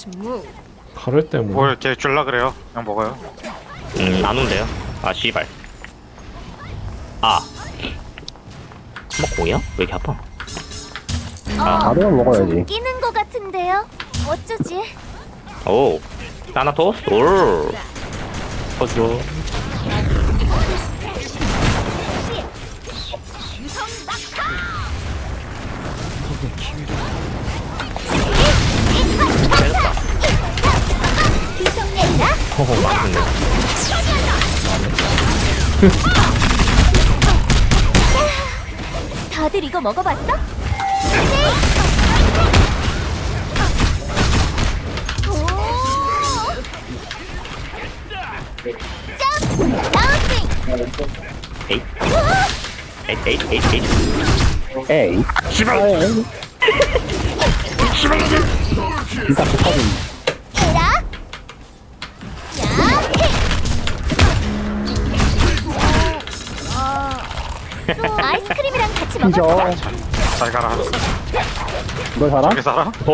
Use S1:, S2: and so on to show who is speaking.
S1: 칼을 때문에.
S2: 뭘 걔 줄라 그래요? 그냥 먹어요.
S3: 안 온대요. 아, 씨발. 아. 뭐, 공이야? 왜 이렇게 아파?
S4: 바로만 먹어야지.
S5: 끼는 거 같은데요? 어쩌지?
S3: 오. 타나토스? 올.
S1: 터져.
S5: 비성내라.
S3: 허허, 맞는데.
S5: 다들 이거 먹어봤어?
S3: 에잇. 에잇, 에잇, 에잇, 에잇.
S4: 에이.
S3: 씨발!
S4: 진짜 좋거든.
S5: 에라. 아이스크림이랑 같이
S4: 피죠.
S5: 먹을까?
S2: 잘 가라.
S4: 너 살아?
S2: 저기 살아?